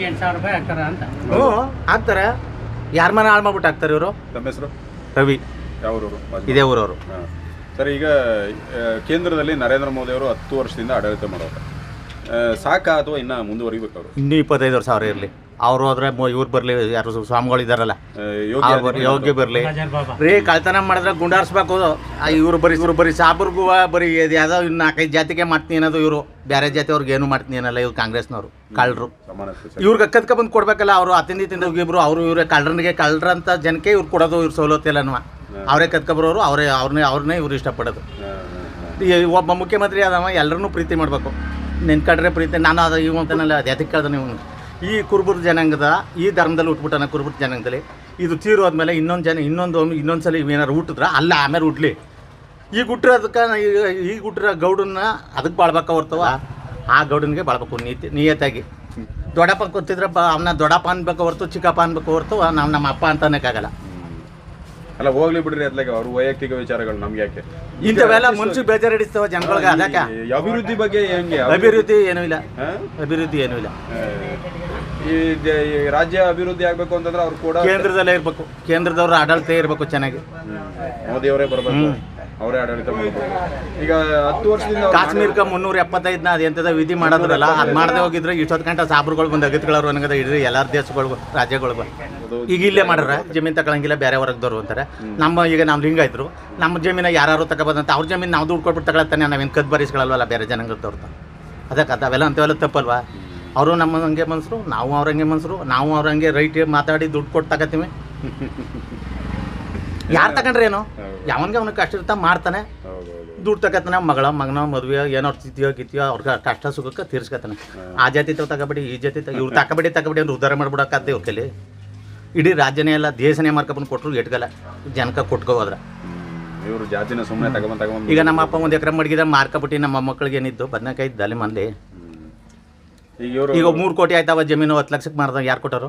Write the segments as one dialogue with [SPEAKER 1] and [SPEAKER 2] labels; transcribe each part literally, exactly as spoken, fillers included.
[SPEAKER 1] ಎಂಟು ಸಾವಿರ ರೂಪಾಯಿ ಹಾಕ್ತಾರ ಅಂತ.
[SPEAKER 2] ಹ್ಞೂ ಹಾಕ್ತಾರೆ. ಯಾರ ಮನೆ ಹಾಳು ಮಾಡ್ಬಿಟ್ಟು ಹಾಕ್ತಾರೆ ಇವರು.
[SPEAKER 3] ತಮ್ಮ ಹೆಸರು?
[SPEAKER 2] ರವಿ.
[SPEAKER 3] ಯಾವೂರವರು?
[SPEAKER 2] ಇದೇ ಊರವರು.
[SPEAKER 3] ಹಾಂ ಸರ್, ಈಗ ಕೇಂದ್ರದಲ್ಲಿ ನರೇಂದ್ರ ಮೋದಿ ಅವರು ಹತ್ತು ವರ್ಷದಿಂದ ಆಡಳಿತ ಮಾಡೋರು. ಸಾಕಾ ಅಥವಾ ಇನ್ನೂ ಮುಂದುವರಿಬೇಕು ಅವರು? ಇನ್ನೂ
[SPEAKER 2] ಇಪ್ಪತ್ತೈದು ವರ್ಷ ಅವ್ರು ಇರಲಿ. ಅವ್ರು ಹೋದ್ರೆ ಇವ್ರು ಬರಲಿ, ಯಾರು ಸ್ವಾಮಿಗಳು ಇದ್ದಾರಲ್ಲ ಯೋಗ್ಯ ಬರಲಿ ರೀ. ಕಳ್ತನ ಮಾಡಿದ್ರೆ ಗುಂಡಾರಿಸ್ಬೇಕು. ಇವ್ರು ಬರೀ ಇವ್ರು ಬರೀ ಸಾಬ್ರಿಗೂ ಬರೀ ಯಾವುದೋ ಇನ್ನು ನಾಲ್ಕೈದು ಜಾತಿಗೆ ಮಾಡ್ತೀನಿ ಅನ್ನೋದು. ಇವರು ಬೇರೆ ಜಾತಿ ಅವ್ರಿಗೆ ಏನು ಮಾಡ್ತೀನಿ ಅನ್ನಲ್ಲ. ಇವ್ರು ಕಾಂಗ್ರೆಸ್ನವ್ರು ಕಳ್ಳರು. ಇವ್ರಿಗೆ ಕತ್ಕ ಬಂದು ಕೊಡ್ಬೇಕಲ್ಲ. ಅವರು ಅತಿಂದಿ ತಿಂದ ಇಬ್ರು ಅವರು ಇವರೇ ಕಳ್ಳರನಿಗೆ ಕಳ್ಳರಂತ ಜನಕ್ಕೆ ಇವ್ರು ಕೊಡೋದು. ಇವ್ರು ಸವಲತ್ತಿಲ್ಲನವ ಅವರೇ ಕತ್ಕೊಬರೋರು. ಅವರೇ ಅವ್ರನ್ನೇ ಅವ್ರನ್ನೇ ಇವ್ರು ಇಷ್ಟಪಡೋದು. ಒಬ್ಬ ಮುಖ್ಯಮಂತ್ರಿ ಆದವ ಎಲ್ಲರನ್ನೂ ಪ್ರೀತಿ ಮಾಡಬೇಕು. ನೆನ್ಕಡ್ರೆ ಪ್ರೀತಿ. ನಾನು ಅದು ಇವು ಅಂತನಲ್ಲ, ಅದು ಎದಕ್ಕೆ ಕೇಳ್ದೆ ನೀವು. ಈ ಕುರುಬರ ಜನಾಂಗದ ಈ ಧರ್ಮದಲ್ಲಿ ಹುಟ್ಬಿಟ್ಟಾನ. ಕುರುಬರ ಜನಾಂಗದಲ್ಲಿ ಇದು ತೀರೋದ್ಮೇಲೆ ಇನ್ನೊಂದು ಜನ ಇನ್ನೊಂದು ಇನ್ನೊಂದು ಸಲ ಏನಾರು ಹುಟ್ಟಿದ್ರೆ ಅಲ್ಲ ಆಮೇಲೆ ಹುಟ್ಲಿ. ಈಗ ಹುಟ್ಟಿರೋದಕ್ಕೆ ಈಗ ಹುಟ್ಟಿರೋ ಗೌಡನ್ನ ಅದಕ್ಕೆ ಬಾಳ್ಬೇಕ ಹೊರ್ತವ. ಆ ಗೌಡನಿಗೆ ಬಾಳ್ಬೇಕು ನೀತಿ ನಿಯತ್ತಾಗಿ. ದೊಡ್ಡಪ್ಪ ಗೊತ್ತಿದ್ರೆ ಬ ಅವನ್ನ ದೊಡ್ಡಪ್ಪ ಅನ್ಬೇಕು ಹೊರ್ತು ಚಿಕ್ಕಪ್ಪ ಅನ್ಬೇಕು ಹೊರ್ತು ನಾವು ನಮ್ಮ ಅಪ್ಪ ಅಂತ ಅನ್ನೋಕ್ಕಾಗಲ್ಲ.
[SPEAKER 3] ಅಲ್ಲ ಹೋಗ್ಲಿ ಬಿಡ್ರಿ, ಅದ್ಲಾಗ ಅವ್ರ ವೈಯಕ್ತಿಕ ವಿಚಾರಗಳು ನಮ್ಗೆ ಯಾಕೆ?
[SPEAKER 2] ಇಂಥವೆಲ್ಲ ಮನ್ಸು ಬೇಜಾರಿಡಿಸ್ತವ ಜನಗಳಿಗೆ. ಅದಕ್ಕೆ
[SPEAKER 3] ಅಭಿವೃದ್ಧಿ ಬಗ್ಗೆ ಹೆಂಗೆ?
[SPEAKER 2] ಅಭಿವೃದ್ಧಿ ಏನೂ ಇಲ್ಲ. ಅಭಿವೃದ್ಧಿ ಏನೂ ಇಲ್ಲ.
[SPEAKER 3] ಈ ರಾಜ್ಯ ಅಭಿವೃದ್ಧಿ ಆಗ್ಬೇಕು ಅಂತಂದ್ರೆ ಅವ್ರು ಕೂಡ
[SPEAKER 2] ಕೇಂದ್ರದಲ್ಲೇ ಇರ್ಬೇಕು. ಕೇಂದ್ರದವ್ರ ಆಡಳಿತ ಇರಬೇಕು ಚೆನ್ನಾಗಿ.
[SPEAKER 3] ಮೋದಿ ಅವರೇ ಬರ್ಬೇಕು, ಅವರೇ ಆಡಳಿತ ಮಾಡಬೇಕು. ಈಗ ಹತ್ತು ವರ್ಷದಿಂದ
[SPEAKER 2] ಕಾಶ್ಮೀರಕ್ಕೆ ಮುನ್ನೂರ ಎಪ್ಪತ್ತೈದನ ಅದು ಎಂಥದ ವಿಧಿ ಮಾಡೋದ್ರಲ್ಲ, ಅದು ಮಾಡದೆ ಹೋಗಿದ್ರೆ ಇಷ್ಟೊತ್ತು ಗಂಟೆ ಸಾಬ್ರುಗಳು ಬಂದು ಅಗತ್ಯಗಳವ್ರು ಅನ್ನೋದ ಇಡ್ರಿ ಎಲ್ಲಾರ ದೇಶಗಳು ರಾಜ್ಯಗಳು. ಈಗ ಇಲ್ಲೇ ಮಾಡ್ರೆ ಜಮೀನು ತಗೊಳಂಗಿಲ್ಲ, ಬೇರೆ ಹೊರಗ್ದವ್ರು ಅಂತಾರೆ. ನಮ್ಮ ಈಗ ನಮ್ಮ ಲಿಂಗಾಯ್ತರು ನಮ್ಮ ಜಮೀನ ಯಾರು ತಗೊಬಂತ ಅವ್ರ ಜಮೀನು ನಾವು ದುಡ್ಡು ಕೊಟ್ಬಿಟ್ಟು ತಗೊಳತ್ತಾನೆ. ನಾವೇನು ಕದ್ ಬರೀಸ್ಕೊಳ್ಳಲ್ವಲ್ಲ ಬೇರೆ ಜನಾಂಗದವ್ರದ್ದು. ಅದಕ್ಕೆ ಅವೆಲ್ಲ ಅಂಥವೆಲ್ಲ ತಪ್ಪಲ್ವಾ? ಅವರು ನಮ್ಮ ಹಂಗೆ ಮನ್ಸರು, ನಾವು ಅವ್ರ ಹಂಗೆ ಮನ್ಸರು. ನಾವು ಅವ್ರ ಹಂಗೆ ರೈಟ್ ಮಾತಾಡಿ ದುಡ್ಡು ಕೊಟ್ಟು ತಗೋತೀವಿ. ಯಾರು ತಗೊಂಡ್ರೆ ಏನು? ಯಾವನ್ಗೆ ಅವ್ನಿಗೆ ಕಷ್ಟ ಇರ್ತಾ ಮಾಡ್ತಾನೆ, ದುಡ್ಡು ತಗೋತಾನೆ. ಮಗಳ ಮಗನ ಮದುವೆ ಏನೋ ಸ್ಥಿತಿಯೋ ಗಿತಿಯೋ ಅವ್ರಿಗೆ ಕಷ್ಟ ಸುಖಕ್ಕೆ ತೀರ್ಸ್ಕೊತಾನೆ. ಆ ಜಾತಿ ತಾವು ತಗೋಬೇಡಿ, ಈ ಜಾತಿ ತ ಇವ್ರು ತಗೋಬೇಡಿ ತಗೋಬೇಡಿ ಅಂದ್ರೆ ಉದ್ಧಾರ ಮಾಡ್ಬಿಡೋಕ್ಕಾಗ್ತದೆ ಇವ್ರ ಕೈಲಿ. ಇಡೀ ರಾಜ್ಯನೇ ಎಲ್ಲ ದೇಶನೇ ಮಾರ್ಕೊಬಂದು ಕೊಟ್ಟರು ಎಟ್ಗಲ್ಲ ಜನಕ್ಕೆ ಕೊಟ್ಕೋದ್ರ.
[SPEAKER 3] ಇವರು ಜಾತಿನ ಸುಮ್ಮನೆ ತಗೊಂಡ್ ತಗೊಂಡ್
[SPEAKER 2] ಈಗ ನಮ್ಮ ಅಪ್ಪ ಒಂದು ಎಕರೆ ಮಡಗಿದ ಮಾರ್ಕೊಬಿಟ್ಟು ನಮ್ಮ ಮಕ್ಕಳಿಗೆ ಏನಿದ್ದು ಬದನೆಕಾಯಿ ದಾಲಿ ಮಂದಿ. ಈಗ ಮೂರು ಕೋಟಿ ಆಯ್ತಾವ ಜಮೀನು ಹತ್ತು ಲಕ್ಷಕ್ಕೆ ಮಾರ್ದ ಯಾರು ಕೊಟ್ಟರು?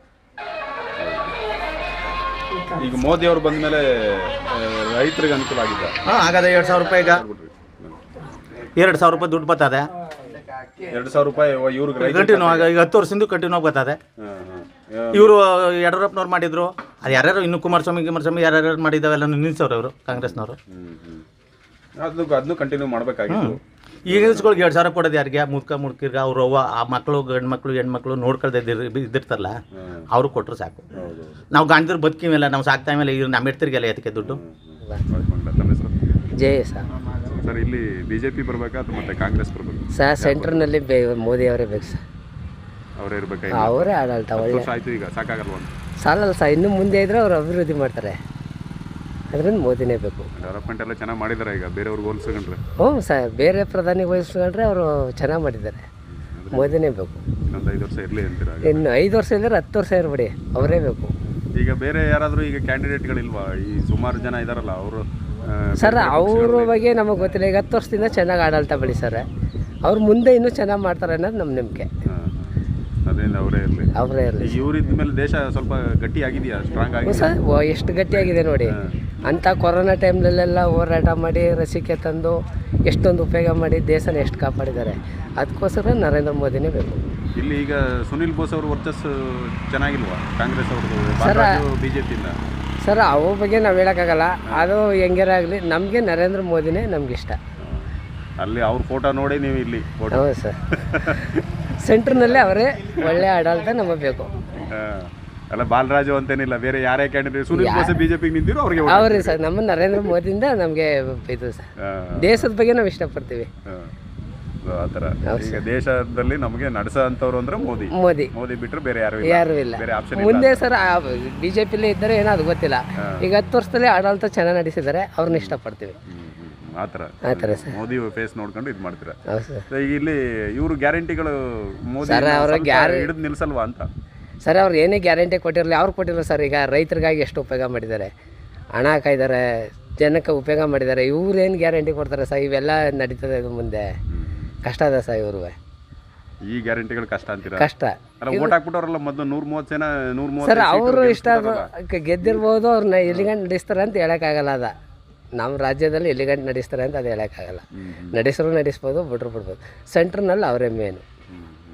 [SPEAKER 3] ಈಗ ಮೋದಿ ಅವರು ಬಂದ ಮೇಲೆ ರೈತರಿಗೆ ಅನುಕೂಲ ಆಗಿದೆ.
[SPEAKER 2] ಹಾಂ ಆಗದೆ. ಎರಡು ಸಾವಿರ ರೂಪಾಯಿ ಈಗ ಎರಡು ಸಾವಿರ ರೂಪಾಯಿ ದುಡ್ಡು ಬರ್ತದೆ.
[SPEAKER 3] ಎರಡು ಸಾವಿರ ರೂಪಾಯಿ ಇವ್ರಿಗೆ
[SPEAKER 2] ಕಂಟಿನ್ಯೂ ಆಗ ಈಗ ಹತ್ತು ವರ್ಷದಿಂದ ಕಂಟಿನ್ಯೂ ಬರ್ತದೆ. ಇವರು ಯಡಿಯೂರಪ್ಪನವ್ರು ಮಾಡಿದ್ರು. ಅದು ಯಾರ್ಯಾರು ಇನ್ನು ಕುಮಾರಸ್ವಾಮಿ ಕುಮಾರಸ್ವಾಮಿ ಯಾರ್ಯಾರು ಮಾಡಿದಾವೆಲ್ಲ ನಿಲ್ಲಿಸೋರು ಅವರು ಕಾಂಗ್ರೆಸ್ನವರು.
[SPEAKER 3] ಅದು ಅದನ್ನು ಕಂಟಿನ್ಯೂ ಮಾಡಬೇಕಾಗಿತ್ತು.
[SPEAKER 2] ಈಗ ಇಸ್ಗಳಿಗೆ ಎರಡು ಸಾವಿರ ಕೊಡೋದು ಯಾರಿಗೆ? ಮುದ್ಕ ಮುಡ್ಕಿರ್ಗ ಅವ್ರು ಅವ್ವ ಆ ಮಕ್ಕಳು ಗಂಡು ಮಕ್ಕಳು ಹೆಣ್ಮಕ್ಳು ನೋಡ್ಕೊಳ್ದೆ ಇದ್ದಿರ್ತಾರಲ್ಲ ಅವರು ಕೊಟ್ಟರು ಸಾಕು. ನಾವು ಗಂಡದ್ರು ಬದುಕಿಮೇಲೆ ನಾವು ಸಾಕ್ತಾ ಮೇಲೆ ಇವ್ರು ನಮ್ಮ ಇಡ್ತಿರ್ಗೆಲ್ಲ ಎದಕ್ಕೆ ದುಡ್ಡು?
[SPEAKER 4] ಜಯ ಸರ್.
[SPEAKER 3] ಸರ್ ಇಲ್ಲಿ ಬಿ ಜೆ ಪಿ ಬರಬೇಕಾ ಅಥವಾ ಮತ್ತೆ ಕಾಂಗ್ರೆಸ್ ಬರಬೇಕು
[SPEAKER 4] ಸರ್? ಸೆಂಟ್ರ್ನಲ್ಲಿ ಬೇ ಮೋದಿ ಅವರೇ ಬೇಕು ಸರ್.
[SPEAKER 3] ಅವರೇ ಇರಬೇಕಾ?
[SPEAKER 4] ಅವರೇ ಆಡಳಿತ ಒಳ್ಳೆ
[SPEAKER 3] ಆಯಿತು. ಈಗ ಸಾಕಾಗಲ್ವ?
[SPEAKER 4] ಸಾಲಲ್ಲ ಸರ್, ಇನ್ನೂ ಮುಂದೆ ಇದ್ರೆ ಅವ್ರು ಅಭಿವೃದ್ಧಿ ಮಾಡ್ತಾರೆ. ಅದರಿಂದ ಮೋದಿನೇ ಬೇಕು.
[SPEAKER 3] ಡೆವಲಪ್ಮೆಂಟ್ ಎಲ್ಲ ಚೆನ್ನಾಗಿ ಮಾಡಿದ್ದಾರೆ. ಈಗ ಬೇರೆಯವ್ರಿಗೆ ಹೋಲಿಸ್ಕೊಂಡ್ರೆ
[SPEAKER 4] ಹ್ಞೂ ಸರ್, ಬೇರೆ ಪ್ರಧಾನಿ ಹೋಲಿಸ್ಕೊಂಡ್ರೆ ಅವರು ಚೆನ್ನಾಗಿ ಮಾಡಿದ್ದಾರೆ. ಮೋದಿನೇ ಬೇಕು.
[SPEAKER 3] ಇನ್ನೊಂದು ಐದು ವರ್ಷ ಇರಲಿ ಅಂತೀರಾ?
[SPEAKER 4] ಇನ್ನು ಐದು ವರ್ಷ ಇಲ್ಲದ್ರೆ ಹತ್ತು ವರ್ಷ ಇರಬೇಡಿ, ಅವರೇ ಬೇಕು.
[SPEAKER 3] ಈಗ ಬೇರೆ ಯಾರಾದರೂ ಈಗ ಕ್ಯಾಂಡಿಡೇಟ್ಗಳಿಲ್ವಾ? ಈ ಸುಮಾರು ಜನ ಇದ್ದಾರಲ್ಲ ಅವರು.
[SPEAKER 4] ಸರ್ ಅವ್ರ ಬಗ್ಗೆ ನಮಗೆ ಗೊತ್ತಿಲ್ಲ. ಈಗ ಹತ್ತು ವರ್ಷದಿಂದ ಚೆನ್ನಾಗಿ ಆಡಳಿತ ಬೆಳೆಸ್ತಾರೆ. ಅವ್ರು ಮುಂದೆ ಇನ್ನೂ ಚೆನ್ನಾಗಿ ಮಾಡ್ತಾರೆ ಅನ್ನೋದು ನಮ್ಮ ನಂಬಿಕೆ.
[SPEAKER 3] ಅದರಿಂದ ಅವರೇ ಇರಲಿ
[SPEAKER 4] ಅವರೇ ಇರಲಿ
[SPEAKER 3] ಇವರಿದ್ದ ಮೇಲೆ ದೇಶ ಸ್ವಲ್ಪ ಗಟ್ಟಿ ಆಗಿದೆಯಾ? ಸ್ಟ್ರಾಂಗ್ ಆಗಿದೆ
[SPEAKER 4] ಸರ್. ಎಷ್ಟು ಗಟ್ಟಿಯಾಗಿದೆ ನೋಡಿ. ಅಂಥ ಕೊರೋನಾ ಟೈಮ್ನಲ್ಲೆಲ್ಲ ಹೋರಾಟ ಮಾಡಿ ಲಸಿಕೆ ತಂದು ಎಷ್ಟೊಂದು ಉಪಯೋಗ ಮಾಡಿ ದೇಶನ ಎಷ್ಟು ಕಾಪಾಡಿದ್ದಾರೆ. ಅದಕ್ಕೋಸ್ಕರ ನರೇಂದ್ರ ಮೋದಿನೇ ಬೇಕು.
[SPEAKER 3] ಇಲ್ಲಿ ಈಗ ಸುನಿಲ್ ಬೋಸ್ ಅವರು ವರ್ಚಸ್ಸು ಚೆನ್ನಾಗಿಲ್ವಾ ಕಾಂಗ್ರೆಸ್ ಅವ್ರದ್ದು
[SPEAKER 4] ಸರ್?
[SPEAKER 3] ಬಿ ಜೆ ಪಿಯಿಂದ
[SPEAKER 4] ಸರ್ ಅವ್ರ ಬಗ್ಗೆ ನಾವು ಹೇಳೋಕ್ಕಾಗಲ್ಲ. ಅದು ಹೆಂಗಾರ ಆಗಲಿ ನಮಗೆ ನರೇಂದ್ರ ಮೋದಿನೇ ನಮ್ಗೆ ಇಷ್ಟ.
[SPEAKER 3] ಅಲ್ಲಿ ಅವ್ರ ಫೋಟೋ ನೋಡಿ ನೀವು ಇಲ್ಲಿ
[SPEAKER 4] ಹೌದು ಸರ್. ಸೆಂಟ್ರ್ನಲ್ಲೇ ಅವರೇ ಒಳ್ಳೆ ಆಡಳಿತ ನಮಗೆ ಬೇಕು.
[SPEAKER 3] ಅಲ್ಲ ಬಾಲರಾಜು ಅಂತೇನಿಲ್ಲ, ಬೇರೆ ಯಾರೇ ಕ್ಯಾಂಡಿಡೇಟ್ ಸುನಿಲ್ ಬೋಸ್ ಬಿಜೆಪಿಗೆ ನಿಂತಿರೋ ಅವ್ರಿಗೆ
[SPEAKER 4] ಅವ್ರಿ ಸರ್. ನಮ್ಮ ನರೇಂದ್ರ ಮೋದಿಯಿಂದ ನಮಗೆ ಇದು ಸರ್. ದೇಶದ ಬಗ್ಗೆ ನಾವು ಇಷ್ಟಪಡ್ತೀವಿ.
[SPEAKER 3] ಆ ಥರ ಈಗ ದೇಶದಲ್ಲಿ ನಮಗೆ ನಡೆಸೋ ಅಂಥವ್ರು ಅಂದ್ರೆ ಮೋದಿ
[SPEAKER 4] ಮೋದಿ
[SPEAKER 3] ಮೋದಿ ಬಿಟ್ಟರೆ ಬೇರೆ ಯಾರು
[SPEAKER 4] ಯಾರು ಇಲ್ಲ.
[SPEAKER 3] ಬೇರೆ ಆಪ್ಷನ್
[SPEAKER 4] ಮುಂದೆ ಸರ್ ಬಿ ಜೆ ಪಿಲೇ ಇದ್ದಾರೆ ಏನೋ ಅದು ಗೊತ್ತಿಲ್ಲ. ಈಗ ಹತ್ತು ವರ್ಷದಲ್ಲಿ ಆಡಳಿತ ಚೆನ್ನಾಗಿ ನಡೆಸಿದ್ದಾರೆ, ಅವ್ರನ್ನ ಇಷ್ಟಪಡ್ತೀವಿ.
[SPEAKER 3] ಆ ಥರ
[SPEAKER 4] ಆ ಥರ ಸರ್.
[SPEAKER 3] ಮೋದಿ ಫೇಸ್ ನೋಡ್ಕೊಂಡು ಇದು ಮಾಡ್ತೀರಾ?
[SPEAKER 4] ಹೌದು ಸರ್.
[SPEAKER 3] ಈಗ ಇಲ್ಲಿ ಇವರು ಗ್ಯಾರಂಟಿಗಳು ಮೋದಿ ಹಿಡಿದು ನಿಲ್ಸಲ್ವಾ ಅಂತ?
[SPEAKER 4] ಸರ್ ಅವ್ರು ಏನೇ ಗ್ಯಾರಂಟಿ ಕೊಟ್ಟಿರಲಿ ಅವ್ರು ಕೊಟ್ಟಿಲ್ಲ ಸರ್. ಈಗ ರೈತರಿಗಾಗಿ ಎಷ್ಟು ಉಪಯೋಗ ಮಾಡಿದ್ದಾರೆ, ಹಣ ಹಾಕಿದ್ದಾರೆ, ಜನಕ್ಕೆ ಉಪಯೋಗ ಮಾಡಿದ್ದಾರೆ. ಇವ್ರೇನು ಗ್ಯಾರಂಟಿ ಕೊಡ್ತಾರೆ ಸರ್? ಇವೆಲ್ಲ ನಡೀತದೆ ಇದು ಮುಂದೆ. ಕಷ್ಟ ಅದ ಸರ್ ಇವ್ರು.
[SPEAKER 3] ಈ ಗ್ಯಾರಂಟಿಗಳು ಕಷ್ಟ ಅಂತೀರಾ?
[SPEAKER 4] ಕಷ್ಟ.
[SPEAKER 3] ಅಲ್ಲ ಓಟ್ ಹಾಕ್ಬಿಟ್ಟವ್ರಲ್ಲ ಮೊದಲು ನೂರ ಮೂವತ್ತು ಜನ ನೂರ ಮೂವತ್ತು
[SPEAKER 4] ಸರ್. ಅವರು ಇಷ್ಟ ಗೆದ್ದಿರ್ಬೋದು, ಅವ್ರನ್ನ ಎಲ್ಲಿಗಂಟು ನಡೆಸ್ತಾರೆ ಅಂತ ಹೇಳೋಕ್ಕಾಗಲ್ಲ. ಅದ ನಮ್ಮ ರಾಜ್ಯದಲ್ಲಿ ಎಲ್ಲಿಗಂಟು ನಡೆಸ್ತಾರೆ ಅಂತ ಅದು ಹೇಳೋಕ್ಕಾಗಲ್ಲ. ನಡೆಸರು ನಡೆಸ್ಬೋದು, ಬಿಟ್ರು ಬಿಡ್ಬೋದು. ಸೆಂಟ್ರ್ನಲ್ಲಿ ಅವರೇ ಮೇನು.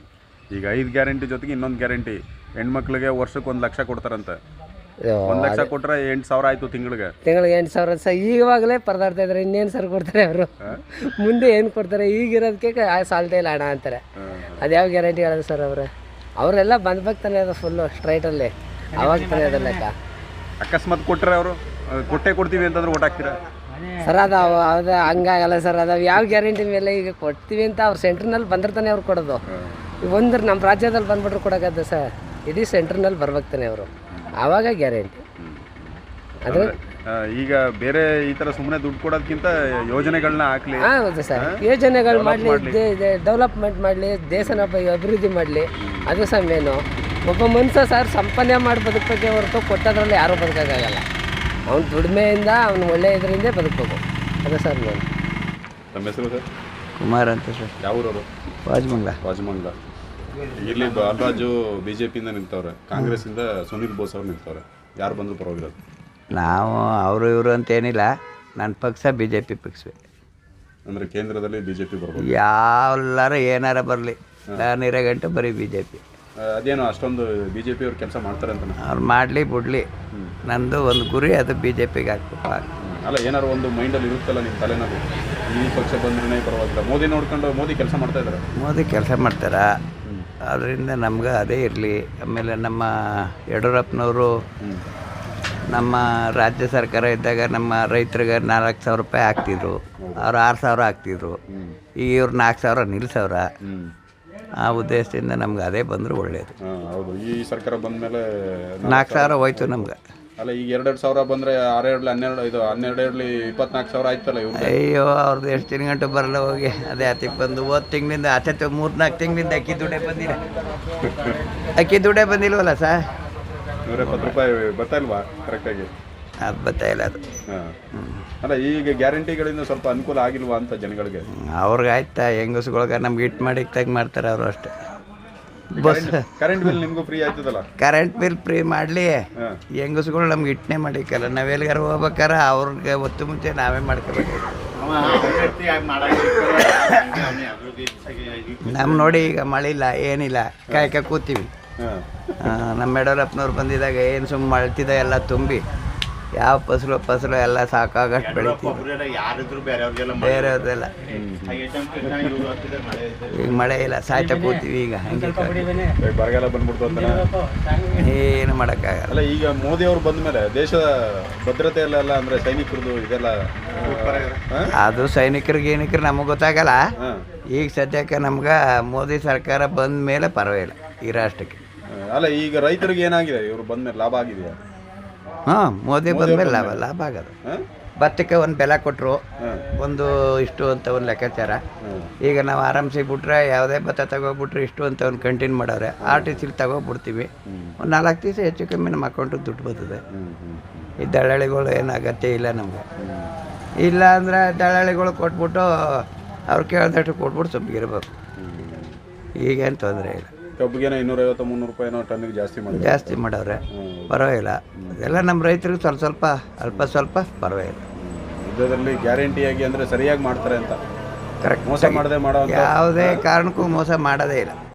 [SPEAKER 3] ಈಗ ಐದು ಗ್ಯಾರಂಟಿ ಜೊತೆಗೆ ಇನ್ನೊಂದು ಗ್ಯಾರಂಟಿ, ಹೆಣ್ಮಕ್ಳಿಗೆ ವರ್ಷಕ್ಕೆ ಒಂದು ಲಕ್ಷ ಕೊಡ್ತಾರಂತೆ. ಒಂದು ಲಕ್ಷ ಕೊಟ್ಟರೆ ಎಂಟು ಸಾವಿರ ಆಯಿತು ತಿಂಗಳಿಗೆ.
[SPEAKER 4] ತಿಂಗಳಿಗೆ ಎಂಟು ಸಾವಿರ ಸರ್ ಈವಾಗಲೇ ಪರದಾಡ್ತಾ ಇದ್ದಾರೆ. ಇನ್ನೇನು ಸರ್ ಕೊಡ್ತಾರೆ ಅವರು, ಮುಂದೆ ಏನು ಕೊಡ್ತಾರೆ? ಈಗಿರೋದಕ್ಕೆ ಸಾಲ್ತಾ ಇಲ್ಲ ಹಣ ಅಂತಾರೆ. ಅದ್ಯಾವ ಗ್ಯಾರಂಟಿ ಹೇಳೋದು ಸರ್ ಅವರು? ಅವರೆಲ್ಲ ಬಂದ್ಬೇಕು ತಾನೇ ಅದು ಫುಲ್ಲು ಸ್ಟ್ರೈಟಲ್ಲಿ, ಅವಾಗ ತಾನೇ ಅದು ಲೆಕ್ಕ.
[SPEAKER 3] ಅಕಸ್ಮಾತ್ ಕೊಟ್ಟರೆ ಅವರು ಕೊಟ್ಟೆ ಕೊಡ್ತೀವಿ ಅಂತಂದ್ರೆ ಓಟ್ ಹಾಕ್ತೀರಾ
[SPEAKER 4] ಸರ್? ಅದು ಅದು ಹಂಗಾಗಲ್ಲ ಸರ್. ಅದು ಯಾವ ಗ್ಯಾರಂಟಿ ಮೇಲೆ ಈಗ ಕೊಡ್ತೀವಿ ಅಂತ ಅವ್ರು ಸೆಂಟ್ರ್ನಲ್ಲಿ ಬಂದಿರ್ತಾನೆ ಅವ್ರು ಕೊಡೋದು. ಒಂದು ನಮ್ಮ ರಾಜ್ಯದಲ್ಲಿ ಬಂದ್ಬಿಟ್ರು ಕೊಡೋಕ್ಕದ್ದು ಸರ್, ಇಡೀ ಸೆಂಟ್ರ್ನಲ್ಲಿ ಬರ್ಬೇಕು ತಾನೆ ಅವರು, ಆವಾಗ ಗ್ಯಾರಂಟಿ. ಅದ್ರ
[SPEAKER 3] ಈಗ ಬೇರೆ ಈ ಥರ ಸುಮ್ಮನೆ ದುಡ್ಡು ಕೊಡೋದಕ್ಕಿಂತ ಯೋಜನೆಗಳನ್ನ ಹಾಕ್ಲಿ.
[SPEAKER 4] ಹಾಂ ಹೌದು ಸರ್, ಯೋಜನೆಗಳು ಮಾಡಲಿ, ಡೆವಲಪ್ಮೆಂಟ್ ಮಾಡಲಿ, ದೇಶನ ಅಭಿವೃದ್ಧಿ ಮಾಡಲಿ, ಅದು ಸಹ ಮೇನು. ಒಬ್ಬ ಮನುಷ್ಯ ಸರ್ ಸಂಪಾದನೆ ಮಾಡಿ ಬದುಕಬೇಕೆ ಹೊರತು ಕೊಟ್ಟದ್ರಲ್ಲಿ ಯಾರೂ ಬದುಕೋಕ್ಕಾಗಲ್ಲ. ಅವ್ನು ದುಡಿಮೆಯಿಂದ ಅವ್ನು ಒಳ್ಳೆ ಇದರಿಂದ ಬದುಕಬೇಕು, ಅದು ಸರ್ ಮೇನು.
[SPEAKER 3] ನಮ್ಮ ಹೆಸರು ಸರ್?
[SPEAKER 1] ಕುಮಾರ್ ಅಂತ ಸರ್.
[SPEAKER 3] ಯಾವ ಊರವರು?
[SPEAKER 1] ವಾಜಮಂಗ್ಲ.
[SPEAKER 3] ವಾಜಮಂಗ್ಲ. ಇಲ್ಲಿ ಬಾಲರಾಜು ಬಿ ಜೆ ಪಿಯಿಂದ ನಿಂತವ್ರೆ, ಕಾಂಗ್ರೆಸ್ಸಿಂದ ಸುನೀಲ್ ಬೋಸ್ ಅವ್ರು ನಿಂತವ್ರೆ. ಯಾರು ಬಂದರೂ ಪರವಾಗಿರೋದು?
[SPEAKER 1] ನಾವು ಅವರು ಇವರು ಅಂತೇನಿಲ್ಲ, ನನ್ನ ಪಕ್ಷ ಬಿ ಜೆ ಪಿ ಪಕ್ಷವೇ.
[SPEAKER 3] ಅಂದರೆ ಕೇಂದ್ರದಲ್ಲಿ ಬಿ ಜೆ ಪಿ ಬರ್ಬೋದು?
[SPEAKER 1] ಯಾವ್ಲಾರ ಏನಾರ ಬರಲಿ, ನಾನಿರೋ ಗಂಟೆ ಬರೀ ಬಿ ಜೆ ಪಿ.
[SPEAKER 3] ಅದೇನು ಅಷ್ಟೊಂದು ಬಿ ಜೆ ಪಿ ಅವ್ರು ಕೆಲಸ ಮಾಡ್ತಾರೆ ಅಂತ?
[SPEAKER 1] ಅವ್ರು ಮಾಡಲಿ ಬಿಡಲಿ, ನಂದು ಒಂದು ಗುರಿ, ಅದು ಬಿ ಜೆ ಪಿಗೆ ಹಾಕ್ಬೇಕು.
[SPEAKER 3] ಅಲ್ಲ, ಏನಾರು ಒಂದು ಮೈಂಡಲ್ಲಿ ಇರುತ್ತಲ್ಲ ನಿಮ್ಮ ತಲೆನಲ್ಲಿ, ಈ ಪಕ್ಷ ಬಂದ್ರೆ ಪರವಾಗಿಲ್ಲ, ಮೋದಿ ನೋಡ್ಕೊಂಡು ಮೋದಿ ಕೆಲಸ ಮಾಡ್ತಾ ಇದ್ದಾರೆ.
[SPEAKER 1] ಮೋದಿ ಕೆಲಸ ಮಾಡ್ತಾರ, ಅದರಿಂದ ನಮ್ಗೆ ಅದೇ ಇರಲಿ. ಆಮೇಲೆ ನಮ್ಮ ಯಡಿಯೂರಪ್ಪನವರು ನಮ್ಮ ರಾಜ್ಯ ಸರ್ಕಾರ ಇದ್ದಾಗ ನಮ್ಮ ರೈತರಿಗೆ ನಾಲ್ಕು ಸಾವಿರ ರೂಪಾಯಿ ಹಾಕ್ತಿದ್ರು, ಅವ್ರು ಆರು ಸಾವಿರ ಹಾಕ್ತಿದ್ರು. ಈಗ ಇವ್ರು ನಾಲ್ಕು ಸಾವಿರ ನಿಲ್ಸವ್ರ. ಆ ಉದ್ದೇಶದಿಂದ ನಮ್ಗೆ ಅದೇ ಬಂದರೂ ಒಳ್ಳೆಯದು.
[SPEAKER 3] ಹೌದು, ಈ ಸರ್ಕಾರ ಬಂದ ಮೇಲೆ
[SPEAKER 1] ನಾಲ್ಕು ಸಾವಿರ ಹೋಯ್ತು ನಮ್ಗೆ.
[SPEAKER 3] ಅಲ್ಲ, ಈಗ ಎರಡೆರಡು ಸಾವಿರ ಬಂದರೆ ಆರೆರಡು ಹನ್ನೆರಡು ಇದು ಹನ್ನೆರಡು ಎರಡಲಿ ಇಪ್ಪತ್ನಾಲ್ಕು ಸಾವಿರ ಆಯ್ತಲ್ಲ ಇವ್ರು.
[SPEAKER 1] ಅಯ್ಯೋ, ಅವ್ರದ್ದು ಎಷ್ಟು ತಿಂಗಳು ಗಂಟು ಬರಲ್ಲ ಹೋಗಿ. ಅದೇ ಹತ್ತಿಗೆ ಬಂದು ಹೋದ ತಿಂಗಳಿಂದ ಹತ್ತು ಮೂರು ನಾಲ್ಕು ತಿಂಗಳಿಂದ ಅಕ್ಕಿ ದುಡ್ಡೇ ಬಂದಿಲ್ಲ. ಅಕ್ಕಿ ದುಡ್ಡೇ ಬಂದಿಲ್ವಲ್ಲ ಸರ್?
[SPEAKER 3] ನೂರ ಎಪ್ಪತ್ತು ರೂಪಾಯಿ ಬರ್ತಾ ಇಲ್ವಾ ಕರೆಕ್ಟಾಗಿ?
[SPEAKER 1] ಅದು ಬರ್ತಾ ಇಲ್ಲ ಅದು.
[SPEAKER 3] ಹಾಂ, ಅಲ್ಲ, ಈಗ ಗ್ಯಾರಂಟಿಗಳಿಂದ ಸ್ವಲ್ಪ ಅನುಕೂಲ ಆಗಿಲ್ವಾ ಅಂತ ಜನಗಳಿಗೆ?
[SPEAKER 1] ಅವ್ರಿಗೆ ಆಯ್ತಾ, ಹೆಂಗಸ್ಗಳ್ಗೆ ನಮ್ಗೆ ಇಟ್ಟು ಮಾಡಿ ತೆಗ್ ಮಾಡ್ತಾರೆ ಅವರು ಅಷ್ಟೇ. ಬಸ್
[SPEAKER 3] ಕರೆಂಟ್ ಬಿಲ್ ನಿಮಗೂ ಫ್ರೀ ಆಯ್ತದಲ್ಲ?
[SPEAKER 1] ಕರೆಂಟ್ ಬಿಲ್ ಫ್ರೀ ಮಾಡಲಿ, ಹೆಂಗಸ್ಗಳು ನಮ್ಗೆ ಇಟ್ಟನೆ ಮಾಡಿಕಲ್ಲ. ನಾವು ಎಲ್ಲಿಗಾರ ಹೋಗ್ಬೇಕಾರ ಅವ್ರಿಗೆ ಹೊತ್ತು ಮುಂಚೆ ನಾವೇ ಮಾಡ್ಕೋಬೇಕು. ನಮ್ಮ ನೋಡಿ ಈಗ ಮಳೆ ಇಲ್ಲ, ಏನಿಲ್ಲ, ಕಾಯ್ಕ ಕೂತೀವಿ. ನಮ್ಮ ಯಡಿಯೂರಪ್ಪನವ್ರು ಬಂದಿದ್ದಾಗ ಏನು ಸುಮ್ಮನೆ ಮಳ್ತಿದ ಎಲ್ಲ ತುಂಬಿ ಯಾವ ಫಸಲು ಫಸಲು ಎಲ್ಲ ಸಾಕಾಗಷ್ಟು ಬೆಳಿತೀವಿ. ಬೇರೆಯವ್ರದೆಲ್ಲ ಈಗ ಮಳೆ ಇಲ್ಲ, ಸಾಯ್ತಾ ಕೂತೀವಿ. ಈಗ ಹಂಗೆ
[SPEAKER 3] ಬರಗಾಲ ಬಂದ್ಬಿಡ್ತು ಅಂತ
[SPEAKER 1] ಏನು ಮಾಡೋಕ್ಕಾಗಲ್ಲ.
[SPEAKER 3] ಅಲ್ಲ, ಈಗ ಮೋದಿ ಅವರು ಬಂದ ಮೇಲೆ ದೇಶದ ಭದ್ರತೆ ಎಲ್ಲ ಎಲ್ಲ ಅಂದರೆ ಸೈನಿಕರದು ಇದೆಲ್ಲ,
[SPEAKER 1] ಅದು ಸೈನಿಕರಿಗೆ ಏನಕ್ಕೆ ನಮಗೆ ಗೊತ್ತಾಗಲ್ಲ. ಈಗ ಸದ್ಯಕ್ಕೆ ನಮ್ಗೆ ಮೋದಿ ಸರ್ಕಾರ ಬಂದ ಮೇಲೆ ಪರವಾಗಿಲ್ಲ ಈ ರಾಷ್ಟ್ರಕ್ಕೆ.
[SPEAKER 3] ಅಲ್ಲ, ಈಗ ರೈತರಿಗೆ ಏನಾಗಿದೆ ಇವರು ಬಂದ ಮೇಲೆ ಲಾಭ ಆಗಿದೆಯಾ?
[SPEAKER 1] ಹಾಂ, ಮೋದಿ ಬಂದಮೇಲೆ ಲಾಭ ಲಾಭ ಆಗೋದು. ಭತ್ತಕ್ಕೆ ಒಂದು ಬೆಲೆ ಕೊಟ್ಟರು, ಒಂದು ಇಷ್ಟು ಅಂತ ಒಂದು ಲೆಕ್ಕಾಚಾರ. ಈಗ ನಾವು ಆರಾಮ್ಸಿ ಬಿಟ್ರೆ ಯಾವುದೇ ಭತ್ತ ತಗೋಬಿಟ್ರೆ ಇಷ್ಟು ಅಂತ ಒಂದು ಕಂಟಿನ್ಯೂ ಮಾಡವ್ರೆ. ಆರ್ ಟಿ ಸಿಲಿ ತಗೋಬಿಡ್ತೀವಿ, ಒಂದು ನಾಲ್ಕು ದಿವಸ ಹೆಚ್ಚು ಕಮ್ಮಿ ನಮ್ಮ ಅಕೌಂಟಿಗೆ ದುಡ್ಡು ಬರ್ತದೆ. ಈ ದಳ್ಳಾಳಿಗಳು ಏನು ಅಗತ್ಯ ಇಲ್ಲ ನಮಗೆ. ಇಲ್ಲ ಅಂದರೆ ದಳ್ಳಾಳಿಗಳು ಕೊಟ್ಬಿಟ್ಟು ಅವ್ರು ಕೇಳಿದಷ್ಟು ಕೊಟ್ಬಿಟ್ಟು ಸೊಪ್ಪಿಗಿರ್ಬೇಕು. ಈಗೇನು ತೊಂದರೆ ಇಲ್ಲ.
[SPEAKER 3] ಕಬ್ಬಿಗೆನ ಇನ್ನೂರೈವತ್ತು ಮುನ್ನೂರು ರೂಪಾಯಿನೋ ಟನ್ನಿಗೆ ಜಾಸ್ತಿ ಮಾಡಿ
[SPEAKER 1] ಜಾಸ್ತಿ ಮಾಡವ್ರೆ, ಪರವಾಗಿಲ್ಲ. ಅದೆಲ್ಲ ನಮ್ಮ ರೈತರಿಗೆ ಸ್ವಲ್ಪ ಸ್ವಲ್ಪ ಅಲ್ಪ ಸ್ವಲ್ಪ ಪರವಾಗಿಲ್ಲ.
[SPEAKER 3] ಯುದ್ಧದಲ್ಲಿ ಗ್ಯಾರಂಟಿಯಾಗಿ ಅಂದರೆ ಸರಿಯಾಗಿ ಮಾಡ್ತಾರೆ ಅಂತ,
[SPEAKER 1] ಕರೆಕ್ಟ್
[SPEAKER 3] ಮೋಸ ಮಾಡದೆ ಮಾಡೋ
[SPEAKER 1] ಯಾವುದೇ ಕಾರಣಕ್ಕೂ ಮೋಸ ಮಾಡೋದೇ ಇಲ್ಲ.